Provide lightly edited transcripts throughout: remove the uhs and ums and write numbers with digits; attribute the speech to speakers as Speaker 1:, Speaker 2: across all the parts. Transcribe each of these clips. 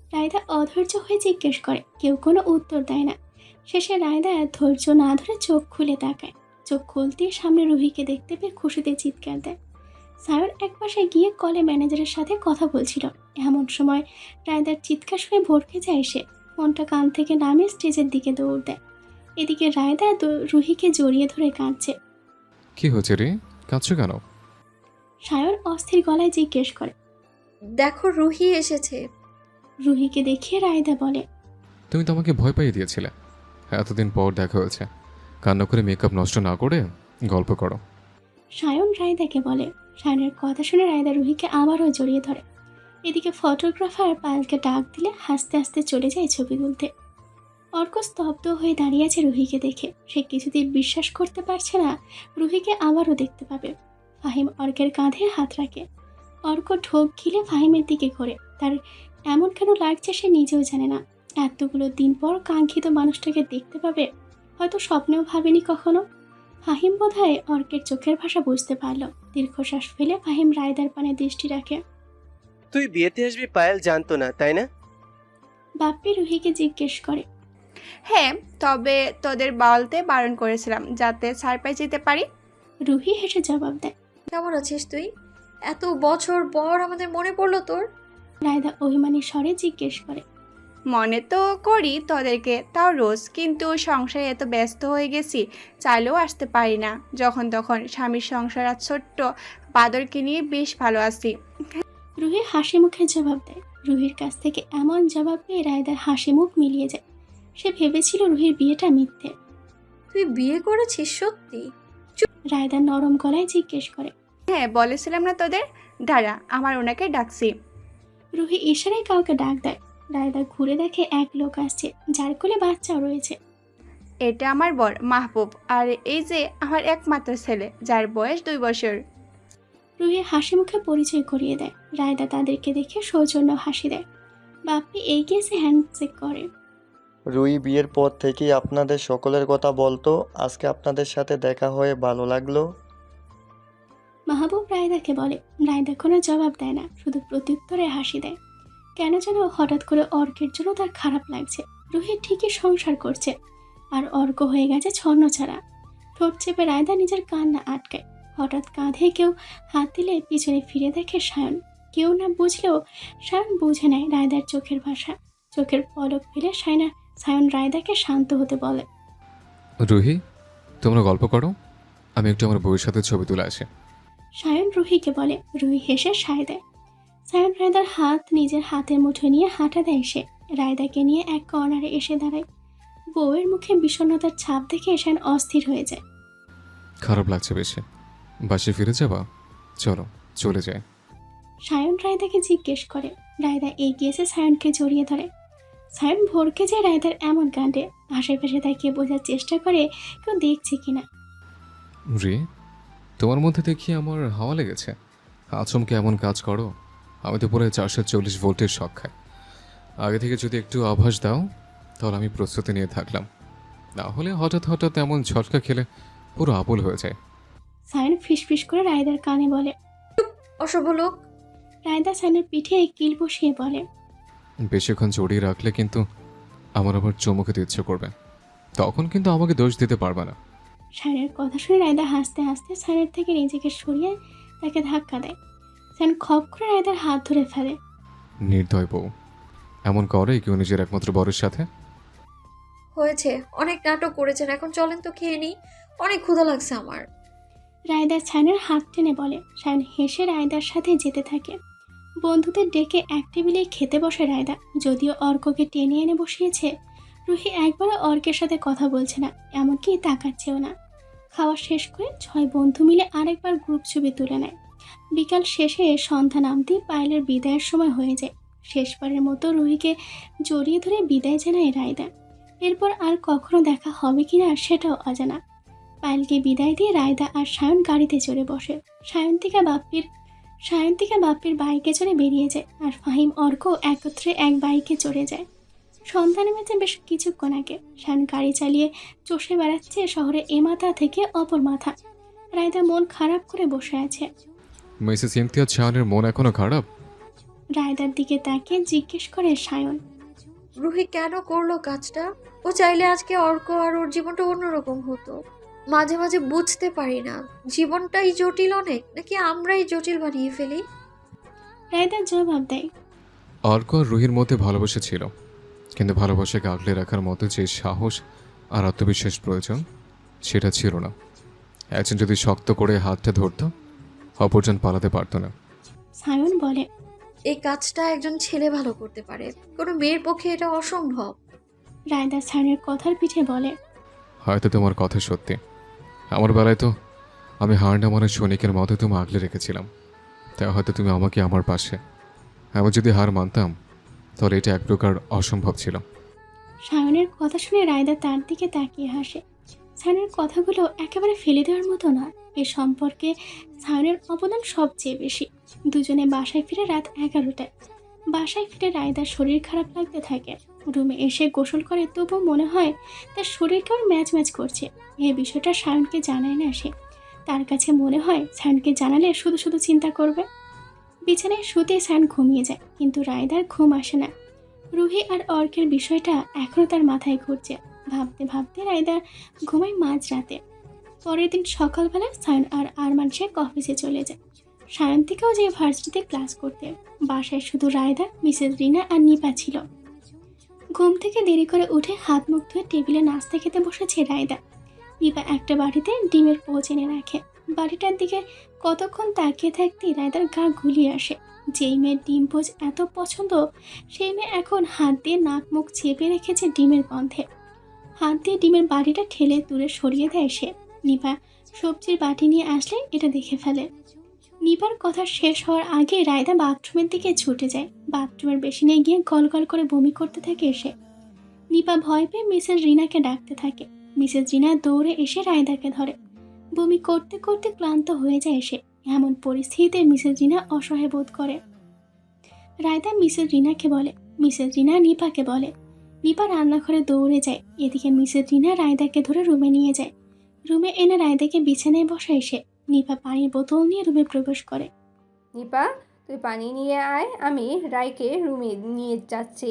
Speaker 1: রায়দা অধৈর্য হয়ে জিজ্ঞেস করে, কেউ কোনো উত্তর দেয় না। শেষে রায়দা ধৈর্য না ধরে চোখ খুলে তাকায়। চোখ খুলতেই সামনে রুহিকে দেখতে পেয়ে খুশিতে চিৎকার দেয়। সায়র একপাশে গিয়ে কলে ম্যানেজারের সাথে কথা বলছিল। এমন সময় রায়দার চিৎকার শুনে ভড়কে যায় সে। ফোনটা কান থেকে নামিয়ে স্টেজের দিকে দৌড় দেয়। এদিকে রায়দা রুহিকে জড়িয়ে ধরে কাঁদছে।
Speaker 2: কি হয়েছে রে, কাঁদছো কেন?
Speaker 1: সায়র অস্থির গলায় জিজ্ঞেস করে।
Speaker 3: দেখো রুহি এসেছে।
Speaker 1: রুহিকে দেখিয়ে রায়দা বলে,
Speaker 2: তুমি তো আমাকে ভয় পাইয়ে দিয়েছিলে। এতদিন পর দেখা হয়েছে, কান্না করে মেকআপ নষ্ট না করে গল্প করো।
Speaker 1: সায়ন রায়দাকে বলে। সায়নের কথা শুনে রায়দা রুহিকে আবারও জড়িয়ে ধরে। এদিকে ফটোগ্রাফার পায়েলকে ডাক দিলে হাসতে হাসতে চলে যায় ছবি তুলতে। অর্ক স্তব্ধ হয়ে দাঁড়িয়ে আছে রুহিকে দেখে। সে কিছুতেই বিশ্বাস করতে পারছে না রুহিকে আবারও দেখতে পাবে। ফাহিম অর্কের কাঁধে হাত রাখে। অর্ক ঢোক গিলে ফাহিমের দিকে ঘোরে। তার এমন কেন লাগছে সে নিজেও জানে না। এতগুলো দিন পর কাঙ্ক্ষিত মানুষটাকে দেখতে পাবে, হয়তো স্বপ্নেও ভাবেনি কখনো। ফাহিম বোধহয় অর্কের চোখের ভাষা বুঝতে পারল। দীর্ঘশ্বাস ফেলে ফাহিম রায়দার পানে দৃষ্টি রাখে।
Speaker 4: তুই বিয়েতে আসবি পায়েল জানতো না, তাই না?
Speaker 1: বাপ্পি রুহিকে জিজ্ঞেস করে।
Speaker 5: হ্যাঁ, তবে তোদের বলতে বারণ করেছিলাম যাতে সারপ্রাইজ দিতে পারি।
Speaker 1: রুহি হেসে জবাব দেয়।
Speaker 3: কেমন আছিস তুই? এত বছর পর আমাদের মনে পড়লো তোর।
Speaker 1: রায়দা অভিমানী স্বরে জিজ্ঞেস করে।
Speaker 5: মনে তো করি তোদেরকে, তাও রোজ, কিন্তু সংসারে এত ব্যস্ত হয়ে গেছি, চাইলেও আসতে পারি না। যখন তখন স্বামীর সংসার আর ছোট্ট বাদরকে নিয়ে বেশ ভালো আছি।
Speaker 1: রুহি হাসি মুখে জবাব দেয়। রুহির কাছ থেকে এমন জবাব পেয়ে রায়দার হাসি মুখ মিলিয়ে যায়। সে ভেবেছিল রুহির বিয়েটা মিথ্যে।
Speaker 3: তুই বিয়ে করেছিস সত্যি?
Speaker 1: রায়দা নরম গলায় জিজ্ঞেস করে।
Speaker 5: হ্যাঁ, বলেছিলাম না তোদের? দাঁড়া, আমার ওনাকে ডাকছি।
Speaker 1: রুহি ইশারায় কাউকে ডাক দেয়। রায়দা ঘুরে দেখে এক লোক আসছে, যার কোলে বাচ্চাও রয়েছে।
Speaker 5: এটা আমার বর মাহবুব, আর এই যে আমার একমাত্র ছেলে, যার বয়স 2 বছর।
Speaker 1: রুহি হাসি মুখে পরিচয় করিয়ে দেয়। রায়দা তাদেরকে দেখে সৌজন্য হাসি দেয়। বাপ্পি এগিয়ে এসে হ্যান্ডশেক করে।
Speaker 6: রুই বিয়ের পর থেকেই আপনাদের সকলের কথা বলতো, আজকে আপনাদের সাথে দেখা হয়ে ভালো লাগলো।
Speaker 1: মাহবুব রায়দাকে বলে। রায়দা কোনো জবাব দেয় না, শুধু প্রত্যুত্তরে হাসি দেয়। কেন যেন হঠাৎ করে অর্কের জন্য তার খারাপ লাগছে। রুহি ঠিকই সংসার করছে, আর অর্ক হয়ে গেছে ছন্ন ছাড়া। ঠোঁট চেপে রায়দা নিজের কান্না আটকায়। হঠাৎ কাঁধে কেউ হাত দিলে পিছনে ফিরে দেখে সায়ন। কেউ না বুঝলেও সায়ন বুঝে নেয় রায়দার চোখের ভাষা। চোখের পলক ফেলে সায়ন রায়দাকে শান্ত হতে বলে।
Speaker 2: রুহি, তোমরা গল্প করো, আমি একটু আমার বউয়ের সাথে ছবি তুলে আসি।
Speaker 1: সায়ন রুহিকে বলে। রুহি হেসে সায় দেয়। সায়ন রায়দার হাত নিজের হাতের মুঠোয় নিয়ে হাঁটা দেয় সে। রায়দাকে নিয়ে এক কর্নারে এসে দাঁড়ায়। বউয়ের মুখে বিষণ্ণতার ছাপ দেখে সায়ন অস্থির হয়ে যায়।
Speaker 2: খারাপ লাগছে বেশি, বাসে ফিরে যাবা? চলো চলে যায়।
Speaker 1: সায়ন রায়দাকে জিজ্ঞেস করে। রায়দা এগিয়ে এসে সায়নকে জড়িয়ে ধরে। সায়ন ভরকে যায় রায়দার এমন কাণ্ডে। আশেপাশে তাকিয়ে বোঝার চেষ্টা করে কেউ দেখছে কিনা।
Speaker 2: রে, তোমার মধ্যে দেখি আমার হাওয়া লেগেছে। আচমকে এমন কাজ করো, আমি তো পুরো 440 ভোল্টের শক খাই। আগে থেকে যদি একটু আভাস দাও তাহলে আমি প্রস্তুতি নিয়ে থাকলাম, না হলে হঠাৎ হঠাৎ এমন ঝটকা খেলে পুরো আবুল হয়ে যায়।
Speaker 1: সায়ন ফিসফিস করে রায়দার কানে বলে।
Speaker 3: অসভ্য লোক।
Speaker 1: রায়দা সায়নের পিঠে কিল বসিয়ে বলে।
Speaker 2: বেশিক্ষণ জড়িয়ে রাখলে কিন্তু আমার আবার চুমু খেতে ইচ্ছে করবে, তখন কিন্তু আমাকে দোষ দিতে পারবে না।
Speaker 1: সায়নের কথা শুনে রায়দা হাসতে হাসতে সায়নের থেকে নিজেকে সরিয়ে তাকে ধাক্কা দেয়। সায়ন খপ করে রায়দার হাত ধরে ফেলে।
Speaker 2: নির্দয় বউ এমন করে কেউ নিজের একমাত্র বরের সাথে?
Speaker 3: হয়েছে, অনেক নাটক করেছেন, এখন চলেন তো খেয়ে নিই, অনেক ক্ষুধা লাগছে আমার।
Speaker 1: রায়দা সায়নের হাত টেনে বলে। সায়ন হেসে রায়দার সাথে যেতে থাকে। বন্ধুদের ডেকে এক টেবিলে খেতে বসে রায়দা। যদিও অর্ককে টেনে এনে বসিয়েছে, রুহি একবারও অর্কের সাথে কথা বলছে না, এমনকি তাকাচ্ছেও না। খাওয়া শেষ করে 6 বন্ধু মিলে আরেকবার গ্রুপ ছবি তুলে নেয়। বিকাল শেষে সন্ধ্যা নামতেই পায়েলের বিদায়ের সময় হয়ে যায়। শেষবারের মতো রুহিকে জড়িয়ে ধরে বিদায় জানায় রায়দা। এরপর আর কখনো দেখা হবে কিনা সেটাও অজানা। পায়েলকে বিদায় দিয়ে রায়দা আর সায়ন গাড়িতে চড়ে বসে। সায়ন্তিকা বাপ্পির বাইকে চড়ে বেরিয়ে যায়, আর ফাহিম অর্ক একত্রে এক বাইকে চড়ে যায়। সন্ধ্যা নেমেছে বেশ কিছুক্ষণ আগে। সায়ন গাড়ি চালিয়ে চষে বেড়াচ্ছে শহরে এ মাথা থেকে অপর মাথা। রায়দা মন খারাপ করে বসে আছে।
Speaker 2: মিসেস ইমতিয়াজ শাহানের মন এখনো খারাপ?
Speaker 1: রায়দার দিকে তাকিয়ে জিজ্ঞেস করে সায়ন।
Speaker 3: রুহি কেন করলো কাজটা? ও চাইলে আজকে অর্ক আর ওর জীবনটা অন্যরকম হতো। মাঝে মাঝে বুঝতে পারি না, জীবনটাই জটিল অনেক, নাকি আমরাই জটিল বানিয়ে ফেলি।
Speaker 1: রায়দা জবাব দেয়।
Speaker 2: অর্ক আর রুহির মধ্যে ভালোবাসা ছিল, কিন্তু ভালোবাসাকে আগলে রাখার মতো যে সাহস আর আত্মবিশ্বাস প্রয়োজন সেটা ছিল না। একজন যদি শক্ত করে হাতটা ধরতো, অপরজন পালাতে পারতো না।
Speaker 1: সায়ন বলে।
Speaker 3: এই কাজটা একজন ছেলে ভালো করতে পারে, কোনো মেয়ের পক্ষে এটা অসম্ভব।
Speaker 1: রায়দা সায়নের কথার পিঠে বলে।
Speaker 2: হয়তো তোমার কথা সত্যি। আমার বেলায় তো আমি হার না মানার সৈনিকের মতো তুমি আগলে রেখেছিলাম, তাই হয়তো তুমি আমাকে আমার পাশে। আমি যদি হার মানতাম তাহলে এটা এক প্রকার অসম্ভব ছিল।
Speaker 1: সায়নের কথা শুনে রায়দা তার দিকে তাকিয়ে হাসে। সায়নের কথাগুলো একেবারে ফেলে দেওয়ার মতো না। এ সম্পর্কে সায়নের অবদান সবচেয়ে বেশি। দুজনে বাসায় ফিরে রাত 11টায়। বাসায় ফিরে রায়দার শরীর খারাপ লাগতে থাকে। রুমে এসে গোসল করে, তবু মনে হয় তার শরীর কেমন ম্যাচ ম্যাচ করছে। এই বিষয়টা সায়নকে জানায় না সে। তার কাছে মনে হয় সায়নকে জানালে শুধু শুধু চিন্তা করবে। বিছানায় শুতে সায়ন ঘুমিয়ে যায়, কিন্তু রায়দার ঘুম আসে না। রুহি আর অর্কের বিষয়টা এখনও তার মাথায় ঘুরছে। ভাবতে ভাবতে রায়দা ঘুমায় মাঝরাতে। পরের দিন সকালবেলা সায়ন আর আরমান শেখ অফিসে চলে যায়। সায়ন্তিকাও যে ভার্সিটিতে ক্লাস করতে। বাসায় শুধু রায়দা, মিসেস রিনা আর নিপা ছিল। ঘুম থেকে দেরি করে উঠে হাত মুখ ধুয়ে টেবিলে নাস্তা খেতে বসেছে রায়দা। নিপা একটা বাটিতে ডিমের পোচ এনে রাখে। বাড়িটার দিকে কতক্ষণ তাকিয়ে থাকতেই রায়দার গা গুলিয়ে আসে। যেই মেয়ের ডিম পোচ এত পছন্দ, সেই মেয়ে এখন হাত দিয়ে নাক মুখ চেপে রেখেছে ডিমের গন্ধে। হাত দিয়ে ডিমের বাটিটা ঠেলে দূরে সরিয়ে দেয় সে। নিপা সবজির বাটি নিয়ে আসলে এটা দেখে ফেলে। নিপার কথা শেষ হওয়ার আগে রায়দা বাথরুমের দিকে ছুটে যায়। বাথরুমের বেসিনে গিয়ে গল গল করে বমি করতে থাকে এসে। নিপা ভয় পেয়ে মিসেস রিনাকে ডাকতে থাকে। মিসেস রিনা দৌড়ে এসে রায়দাকে ধরে। বমি করতে করতে ক্লান্ত হয়ে যায় সে। এমন পরিস্থিতিতে মিসেস রিনা অসহায় বোধ করে। রায়দা মিসেস রিনাকে বলে, মিসেস রিনা নিপাকে বলে। নিপা রান্নাঘরে দৌড়ে যায়। এদিকে মিসেস রিনা রায়দাকে ধরে রুমে নিয়ে যায়। রুমে এনে রায়দাকে বিছানায় বসায় সে। নিপা পানির বোতল নিয়ে রুমে প্রবেশ করে।
Speaker 7: নিপা, তুই পানি নিয়ে আয়, আমি রায়কে রুমে নিয়ে যাচ্ছি।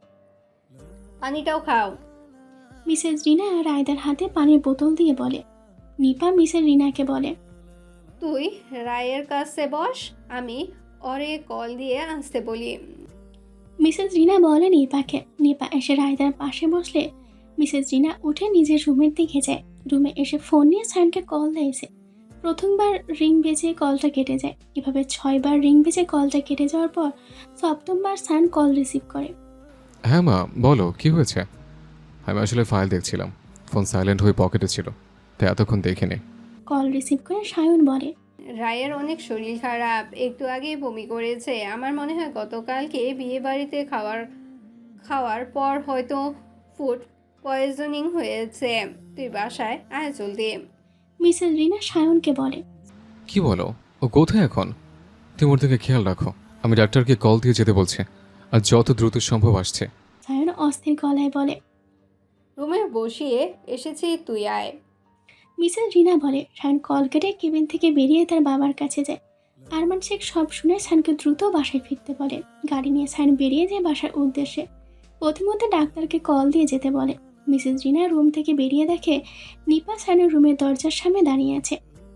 Speaker 7: পানিটাও খাও।
Speaker 1: মিসেস রিনা রায়দার হাতে পানির বোতল দিয়ে বলে। নিপা মিসেস রিনাকে বলে,
Speaker 7: তুই রায়ের কাছে বস, আমি ওরে কল দিয়ে আসতে বলি।
Speaker 1: মিসেস রিনা বলে নিপাকে। নিপা এসে রায়দার পাশে বসলে মিসেস রিনা উঠে নিজের রুমের দিকে যায়। রুমে এসে ফোন নিয়ে সায়নকে কল দেয় সে। প্রথমবার রিং বেজে কলটা কেটে যায়। এভাবে 6বার রিং বেজে কলটা কেটে যাওয়ার পর 7বার সায়ন কল রিসিভ করে।
Speaker 2: হ্যাঁ মা, বলো কি হয়েছে? আমি আসলে ফাইল দেখছিলাম, ফোন সাইলেন্ট হয়ে পকেটে ছিল, তাই এতক্ষণ দেখিনি।
Speaker 1: কল রিসিভ করে সায়ন বলে,
Speaker 7: রায়ের অনেক শরীর খারাপ, একটু আগেই বমি করেছে। আমার মনে হয় গতকালকে বিয়ে বাড়িতে খাওয়ার পর হয়তো ফুড পয়জনিং হয়েছে। তুই বাসায় আয় জলদি।
Speaker 1: মিসেস রিনা সায়নকে বলে,
Speaker 2: কি বলো? ও কোথায় এখন? তুমি ওর দিকে খেয়াল রাখো। আমি ডাক্তারকে কল দিয়ে যেতে বলছি, আর যত দ্রুত সম্ভব আসছে।
Speaker 1: সায়ন অস্থির গলায় বলে।
Speaker 7: রুমে বসিয়ে এসেছি, তুই আয়।
Speaker 1: মিসেস রিনা বলে। সায়ন কল কেটে কেবিন থেকে বেরিয়ে তার বাবার কাছে যায়। আরমান শেখ সব শুনে সায়নকে দ্রুত বাসায় ফিরতে বলে। গাড়ি নিয়ে সায়ন বেরিয়ে যায় বাসার উদ্দেশ্যে। প্রথমত ডাক্তারকে কল দিয়ে যেতে বলে। মিসেস রিনা রুম থেকে বেরিয়ে দেখে নিপা সায়নের রুমের দরজার সামনে দাঁড়িয়ে আছে।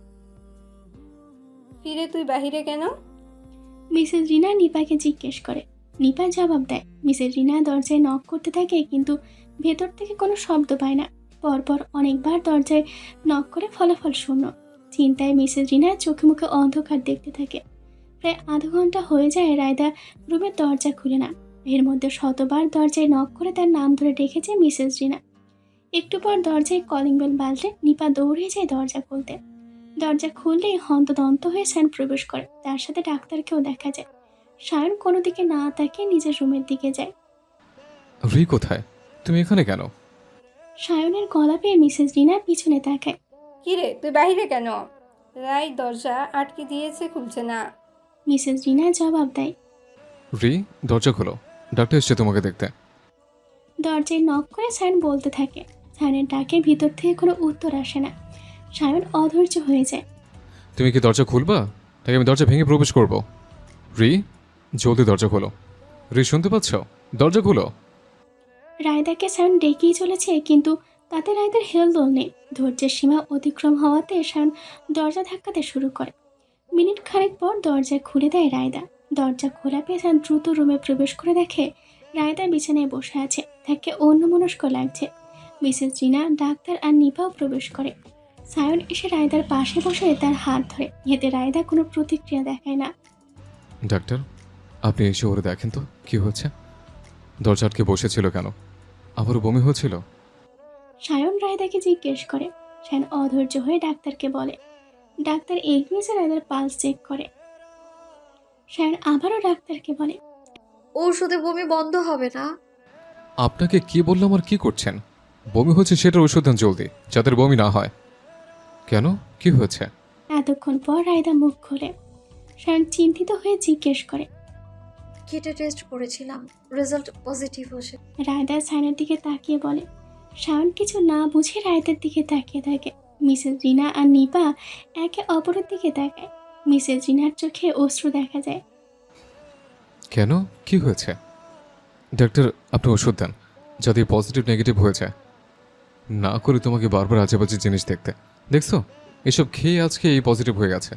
Speaker 7: ফিরে তুই বাহিরে কেন?
Speaker 1: মিসেস রিনা নিপাকে জিজ্ঞেস করে। নিপা জবাব দেয়। মিসেস রিনা দরজায় নক করতে থাকে, কিন্তু ভেতর থেকে কোনো শব্দ পায় না। পরপর অনেকবার দরজায় নক করে ফলাফল শূন্য। চিন্তায় মিসেস রিনা চোখে মুখে অন্ধকার দেখতে থাকে। প্রায় আধা ঘন্টা হয়ে যায় রায়দা রুমের দরজা খুলে না। এর মধ্যে শতবার দরজায় নক করে তার নাম ধরে ডেকেছে মিসেস রিনা। একটু পর দরজায় কলিং বেল বাজলে নিপা দৌড়ে যায় দরজা খুলতে। দরজা খুললেই হন্তদন্ত হয়ে সায়ন প্রবেশ করে। তার সাথে ডাক্তারকেও দেখা যায়। সায়ন কোনো দিকে না তাকিয়ে নিজের রুমের দিকে যায়।
Speaker 2: রি কোথায়? তুমি এখানে কেন?
Speaker 1: সায়নের গলা পেয়ে মিসেস রিনা পিছনে তাকায়।
Speaker 7: কিরে তুই বাহিরে কেন? রায় দরজা আটকে দিয়েছে, খুলছে না।
Speaker 1: মিসেস রিনা জবাব দেয়।
Speaker 2: রি, দরজা খোলো, ডাক্তার এসছে তোমাকে দেখতে।
Speaker 1: দরজায় নক করে সায়ন বলতে থাকে। সায়নের ডাকে ভিতর থেকে কোনো উত্তর আসে না। সায়ন অধৈর্য হয়ে যায়।
Speaker 2: তুমি কি দরজা খুলবা, নাকি আমি দরজা ভেঙে প্রবেশ করব? রি, জলদি দরজা খোলো। রে, শুনতে পাচ্ছ? দরজা খোলো।
Speaker 1: রায়দাকে সায়ন ডেকেই চলেছে, কিন্তু তাতে রায়দার হেলদোল নেই। ধৈর্যের সীমা অতিক্রম হওয়াতে সায়ন দরজা ধাক্কাতে শুরু করে। মিনিট খানেক পর দরজা খুলে দেয় রায়দা। দরজা খোলা পেয়ে সায়ন দ্রুত রুমে প্রবেশ করে দেখে রায়দা বিছানায় বসে আছে। তাকে অন্যমনস্ক লাগছে। মিসেস রিনা, ডাক্তার আর নিপাও প্রবেশ করে। সায়ন এসে রায়দার পাশে বসে তার হাত ধরে। এতে রায়দা কোনো প্রতিক্রিয়া দেখায় না।
Speaker 2: ডাক্তার, আপনি এসে ওরে দেখেন তো কি হচ্ছে। দরজা আটকে বসেছিল কেন? আবারও বমি হচ্ছিল?
Speaker 1: সায়ন রায়দাকে জিজ্ঞেস করে। সায়ন অধৈর্য হয়ে ডাক্তারকে বলে। ডাক্তার এগিয়ে এসে রায়দার পালস চেক করে। সায়ন আবারও ডাক্তারকে বলে।
Speaker 3: ঔষধে বমি বন্ধ হবে না?
Speaker 2: আপনাকে কি বললাম আর কি করছেন? বমি হচ্ছে সেটার ওষুধ দেন জলদি, যাদের বমি না হয়। কেন, কি হয়েছে?
Speaker 1: এতক্ষণ পর রায়দা মুখ খোলে। সায়ন চিন্তিত হয়ে জিজ্ঞেস করে।
Speaker 3: কিটে টেস্ট করেছিলাম, রেজাল্ট পজিটিভ হয়েছে।
Speaker 1: রায়দা সায়নের দিকে তাকিয়ে বলে। সায়ন কিছু না বুঝে রায়দার দিকে তাকিয়ে থাকে। মিসেস রিনা আর নিপা একে অপরের দিকে তাকায়। মিসেস রিনার চোখে অশ্রু দেখা যায়।
Speaker 2: কেন, কি হয়েছে? ডাক্তার, আপনি ওষুধ দেন যাতে পজিটিভ নেগেটিভ হয়ে যায়। না করে তোমাকে বারবার আজেবাজে জিনিস দেখছো, এসব খেয়ে আজকে এই পজিটিভ হয়ে গেছে।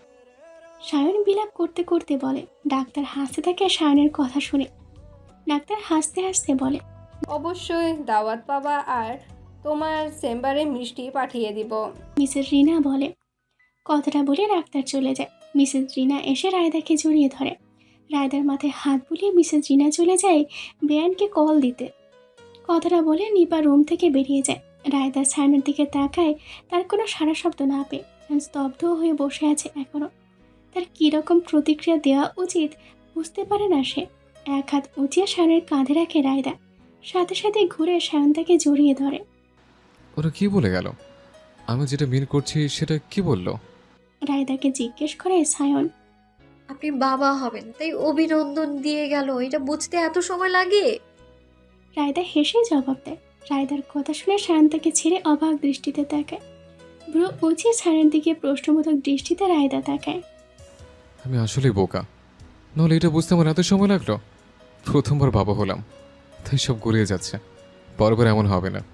Speaker 1: সায়ন বিলাপ করতে করতে বলে। ডাক্তার হাসতে থাকে সায়নের কথা শুনে। ডাক্তার হাসতে হাসতে বলে।
Speaker 7: অবশ্যই দাওয়াত পাবা আর তোমার চেম্বারে মিষ্টি পাঠিয়ে দিব।
Speaker 1: মিসেস রিনা বলে। কথাটা বলে ডাক্তার চলে যায়। মিসেস রিনা এসে রায়দাকে জড়িয়ে ধরে। রায়দার মাথায় হাত বুলিয়ে মিসেস রিনা চলে যায় বেয়ানকে কল দিতে। কথাটা বলে নিপা রুম থেকে বেরিয়ে যায়। রায়দা সায়নের দিকে তাকায়। তার কোনো সারা শব্দ না পেয়ে সায়ন স্তব্ধ হয়ে বসে আছে এখনো। তার কীরকম প্রতিক্রিয়া দেওয়া উচিত বুঝতে পারে না সে। এক হাত উঁচিয়ে সায়নের কাঁধে রাখে রায়দা। সাথে সাথে ঘুরে সায়ন তাকে জড়িয়ে ধরে।
Speaker 2: ওরা কি বলে গেল? আমি যেটা মিন করছি সেটা কি বললো?
Speaker 1: রায়দাকে জিজ্ঞেস করে সায়ন।
Speaker 3: আপনি বাবা হবেন তাই অভিনন্দন দিয়ে গেল, এটা বুঝতে এত সময় লাগে?
Speaker 1: রায়দা হেসে জবাব দেয়। রায়দার কথা শুনে সায়ন তাকে ছেড়ে অবাক দৃষ্টিতে তাকায়। ব্রু উঁচিয়ে সায়নের দিকে প্রশ্নবোধক দৃষ্টিতে রায়দা তাকায়।
Speaker 2: আমি আসলেই বোকা, নাহলে এটা বুঝতে আমার এত সময় লাগলো। প্রথমবার বাবা হলাম, তাই সব গড়িয়ে যাচ্ছে। পরবার এমন হবে না।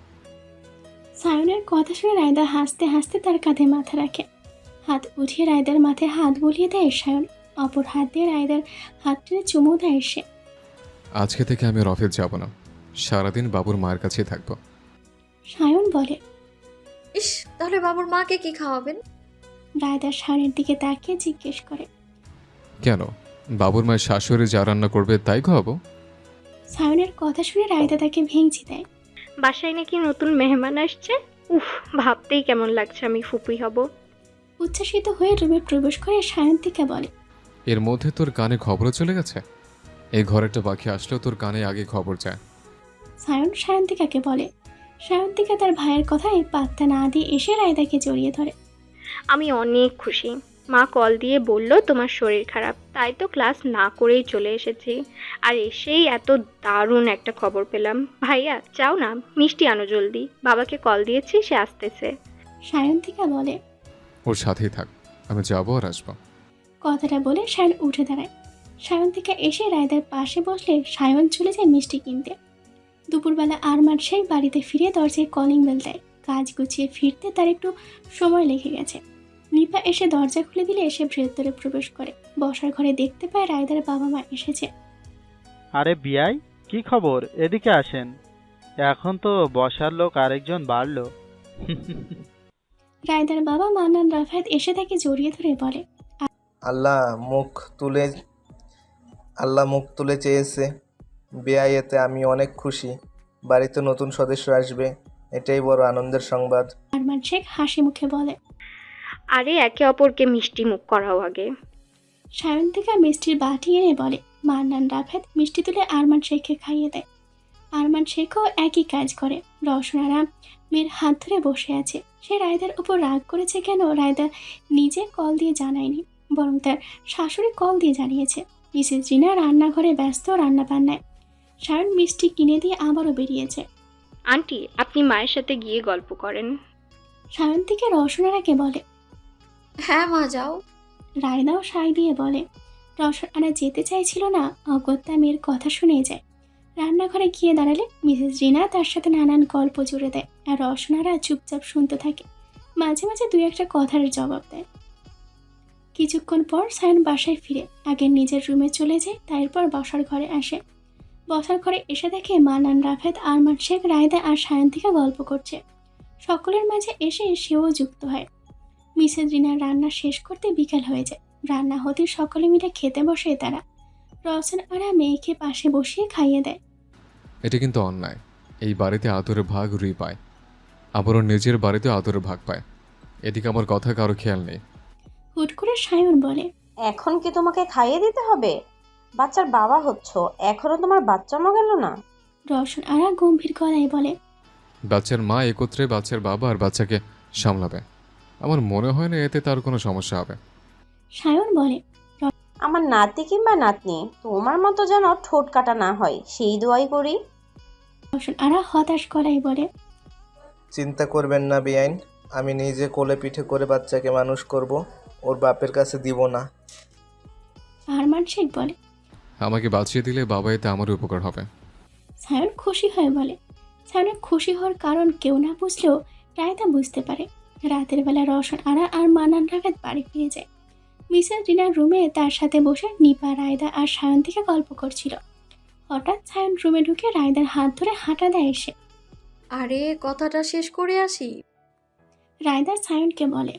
Speaker 1: সায়নের কথা শুনে রায়দা হাসতে হাসতে তার কাঁধে মাথা রাখে। হাত উঠিয়ে রায়দার মাথায় হাত বুলিয়ে দেয় সায়ন। অপর হাত দিয়ে রায়দার হাত টেনে চুমু দেয় সে।
Speaker 2: আজকে থেকে আমি আর অফিস যাব না, সারাদিন বাবুর মায়ের কাছেই থাকবো।
Speaker 1: সায়ন বলে।
Speaker 3: ইস, তাহলে বাবুর মাকে কি খাওয়াবেন?
Speaker 1: রায়দা সায়নের দিকে তাকিয়ে জিজ্ঞেস করে।
Speaker 2: কেন, বাবুর মায়ের শাশুড়ি যা রান্না করবে তাই খাওয়াবো।
Speaker 1: সায়নের কথা শুনে রায়দা তাকে ভেঙচি দেয়।
Speaker 8: বাসায় নাকি নতুন মেহমান আসছে। উফ, ভাবতেই কেমন লাগছে আমি ফুপুই হব।
Speaker 1: উচ্ছ্বাসিত হয়ে রুমে প্রবেশ করে সায়ন্তিকা বলে।
Speaker 2: এর মধ্যে তোর কানে খবরও চলে গেছে। এই ঘরেরটা বাকি আসলেও তোর কানে আগে খবর যায়।
Speaker 1: সায়ন সায়ন্তিকাকে বলে। সায়ন্তিকা তার ভাইয়ের কথায় পাত্তা না দিয়ে এসে রায়দাকে জড়িয়ে ধরে।
Speaker 8: আমি অনেক খুশি। মা কল দিয়ে বলল তোমার শরীর খারাপ, তাই তো ক্লাস না করেই চলে এসেছি। আর এসেই এত দারুণ একটা খবর পেলাম। ভাইয়া চাও না মিষ্টি আনো জলদি, বাবাকে কল দিয়েছি, সে আসতেছে।
Speaker 1: সায়ন্তিকা বলে।
Speaker 2: ওর সাথেই থাক, আমি যাবো আর আসবো।
Speaker 1: কথাটা বলে সায়ন উঠে দাঁড়ায়। সায়ন্তিকা এসে রায়দার পাশে বসলে সায়ন চলে যায় মিষ্টি কিনতে। দুপুরবেলা আরমান শেখ বাড়িতে ফিরে দরজায় কলিং বেল দেয়। কাজ গুছিয়ে ফিরতে তার একটু সময় লেগে গেছে। নিপা এসে দরজা খুলে দিলে এসে ভেতরে প্রবেশ করে। বসার ঘরে দেখতে পায় রায়দার বাবা মা এসেছে।
Speaker 9: আরে বিয়াই, কি খবর? এদিকে আসেন। এখন তো বসার লোক আরেকজন বাড়লো।
Speaker 1: রায়দার বাবা মান্নান রাফায়েত এসে তাকে জড়িয়ে ধরে বলে।
Speaker 10: আল্লাহ মুখ তুলে চেয়েছে। বেয়াই, এতে আমি অনেক খুশি। বাড়িতে নতুন সদস্য আসবে, এটাই বড় আনন্দের সংবাদ।
Speaker 1: আরমান শেখ হাসি মুখে বলে।
Speaker 8: আরে একে অপরকে মিষ্টি মুখ করাও আগে।
Speaker 1: সায়ন্তিকা মিষ্টির বাটি এনে বলে। মান্নান রাফায়েত মিষ্টি তুলে আরমান শেখকে খাইয়ে দেয়। আরমান শেখও একই কাজ করে। রওশনারা মেয়ের হাত ধরে বসে আছে। সে রায়দার উপর রাগ করেছে কেন রায়দা নিজে কল দিয়ে জানায়নি, বরং তার শাশুড়ি কল দিয়ে জানিয়েছে। মিসেস জিনা রান্নাঘরে ব্যস্ত রান্না বান্নায়। সায়ন মিষ্টি কিনে দিয়ে আবারও বেরিয়েছে।
Speaker 8: আন্টি, আপনি মায়ের সাথে গিয়ে গল্প করেন।
Speaker 1: সায়ন্তিকা রওশনারাকে বলে।
Speaker 3: হ্যাঁ মা, যাও।
Speaker 1: রায়দাও সাই দিয়ে বলে। রওশন আরা যেতে চাইছিল না, অগত্যা মেয়ের কথা শুনে যায়। রান্নাঘরে গিয়ে দাঁড়ালে মিসেস রিনা তার সাথে নানান গল্প জুড়ে দেয়, আর রওশন আরা চুপচাপ শুনতে থাকে, মাঝে মাঝে দুই একটা কথার জবাব দেয়। কিছুক্ষণ পর সায়ন বাসায় ফিরে আগে নিজের রুমে চলে যায়, তারপর বসার ঘরে আসে। বসার ঘরে এসে দেখে মানান, রাফেদ, আরমান শেখ, রায়দা আর সায়ন্তিকা গল্প করছে। সকলের মাঝে এসে সেও যুক্ত হয়। মিসেস রিনার রান্না শেষ করতে বিকেল হয়ে যায়। রান্না হতে সকলে মিলে খেতে বসে তারা। রওশন আরা মেয়েকে পাশে বসিয়ে খাইয়ে দেয়।
Speaker 2: এটা কিন্তু অন্যায়। এই বাড়িতে আদরের ভাগ রুই পায়, আবার ওর নিজের বাড়িতে আদরের ভাগ পায়। এদিকে আমার কথা কারো খেয়াল নেই।
Speaker 1: হুট করে সায়ন বলে,
Speaker 11: এখন কি তোমাকে খাইয়ে দিতে হবে? বাচ্চার বাবা হচ্ছ, এখনো তোমার বাচ্চামো গেল না?
Speaker 1: রওশন আরা গম্ভীর গলায় বলে,
Speaker 2: বাচ্চার মা একত্রে বাচ্চার বাবা আর বাচ্চাকে সামলাবে। আমার মনে হয় না এতে তার কোনো সমস্যা হবে।
Speaker 1: সায়ন বলে,
Speaker 11: আমার নাতি কিংবা নাতনি তোমার মতো যেন ঠোঁট কাটা না হয়, সেই দোয়াই করি।
Speaker 1: রওশন আরা হতাশ গলায় বলে,
Speaker 10: চিন্তা করবেন না বেআইন, আমি নিজে কোলে পিঠে করে বাচ্চাকে মানুষ করব, ওর বাপের কাছে দিব না।
Speaker 1: আরমান শেখ বলে,
Speaker 2: আমাকে বাঁচিয়ে দিলে বাবা এতে আমার উপকার হবে।
Speaker 1: সায়ন খুশি হয়ে বলে। সায়নের খুশি হওয়ার কারণ কেউ না বুঝলেও রায়দা বুঝতে পারে। রাতের বেলা রওশন আরা আর মানান, রাফেদ বাড়ি ফিরে যায়। মিসেস রিনার রুমে তার সাথে বসে নিপা, রায়দা আর সায়ন্তিকা গল্প করছিল। হঠাৎ সায়ন রুমে ঢুকে রায়দার হাত ধরে হাঁটা দেয় এসে।
Speaker 3: আরে কথাটা শেষ করে আসি।
Speaker 1: রায়দা সায়নকে বলে,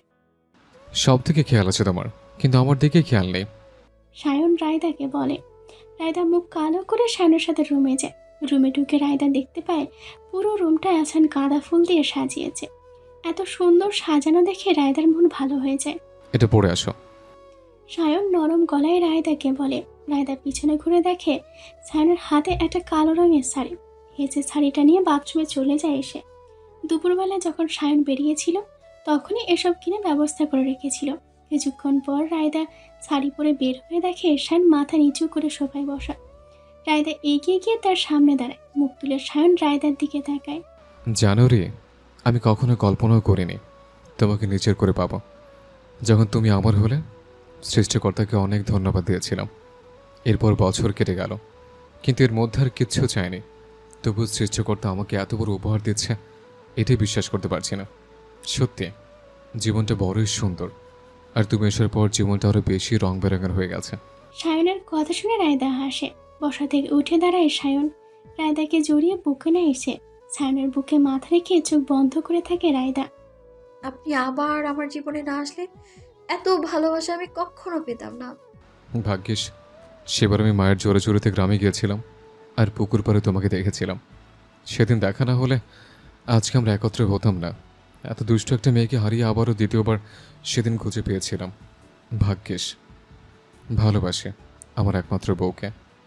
Speaker 2: সব থেকে খেয়াল আছে তোমার, কিন্তু আমার দিকে খেয়াল নেই।
Speaker 1: সায়ন রায়দাকে বলে। রায়দা মুখ কালো করে সায়নের সাথে রুমে যায়। রুমে ঢুকে রায়দা দেখতে পায় পুরো রুমটা আসান গাঁদা ফুল দিয়ে সাজিয়েছে। এত সুন্দর সাজানো দেখে রায়দার মন ভালো হয়ে যায়।
Speaker 2: এটা পড়ে আসো।
Speaker 1: সায়ন নরম গলায় রায়দাকে বলে। রায়দা পিছনে ঘুরে দেখে সায়নের হাতে একটা কালো রঙের শাড়ি। হেঁচে শাড়িটা নিয়ে বাথরুমে চলে যায় এসে। দুপুরবেলা যখন সায়ন বেরিয়েছিল তখনই এসব কিনে ব্যবস্থা করে রেখেছিল। কিছুক্ষণ পর রায়দা শাড়ি পরে বের হয়ে দেখে সায়ন মাথা নিচু করে সোফায় বসা। রায়দা এগিয়ে গিয়ে তার সামনে দাঁড়ায়। মুখ তুলে সায়ন রায়দার দিকে তাকায়।
Speaker 2: জানো রে, আমি কখনো কল্পনাও করিনি তোমাকে নিজের করে পাবো। যখন তুমি আমার হলে সৃষ্টিকর্তাকে অনেক ধন্যবাদ দিয়েছিলাম। এরপর বছর কেটে গেল, কিন্তু এর মধ্যে আর কিচ্ছু চাইনি। তবু সৃষ্টিকর্তা আমাকে এত বড় উপহার দিচ্ছে, এটাই বিশ্বাস করতে পারছি না। সত্যি জীবনটা বড়ই সুন্দর, আর তুমি আসার পর জীবনটা আরও বেশি রং বেরঙের হয়ে গেছে।
Speaker 1: সায়নের কথা শুনে রায়দা হাসে। বসা থেকে উঠে দাঁড়ায় সায়ন। রায়দাকে জড়িয়ে বুকে নেয় এসে। সায়নের বুকে মাথা রেখে চোখ বন্ধ করে থাকে রায়দা।
Speaker 3: আপনি আবার আমার জীবনে না আসলে এত ভালোবাসা আমি কখনো পেতাম না।
Speaker 2: ভাগ্যিস সেবার আমি মায়ের জোরে জোরেতে গ্রামে গিয়েছিলাম আর পুকুর পাড়ে তোমাকে দেখেছিলাম। সেদিন দেখা না হলে আজকে আমরা একত্রে হতাম না। এত দুষ্ট একটা মেয়েকে হারিয়ে আবারও দ্বিতীয়বার সেদিন খুঁজে পেয়েছিলাম। ভাগ্যিস। ভালোবাসি আমার একমাত্র বউকে,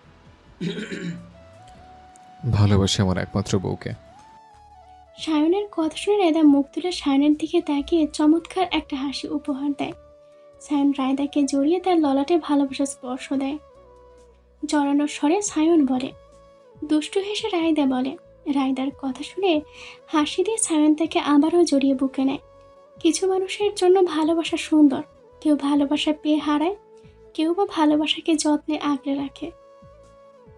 Speaker 2: ভালোবাসি আমার একমাত্র বউকে।
Speaker 1: সায়নের কথা শুনে রায়দা মুখ তুলে সায়নের দিকে তাকিয়ে চমৎকার একটা হাসি উপহার দেয়। সায়ন রায়দাকে জড়িয়ে তার ললাটে ভালোবাসার স্পর্শ দেয়। জড়ানোর স্বরে সায়ন বলে। দুষ্টু হেসে রায়দা বলে। রায়দার কথা শুনে হাসি দিয়ে সায়ন তাকে আবারও জড়িয়ে বুকে নেয়। কিছু মানুষের জন্য ভালোবাসা সুন্দর, কেউ ভালোবাসা পেয়ে হারায়, কেউ বা ভালোবাসাকে যত্নে আগলে রাখে।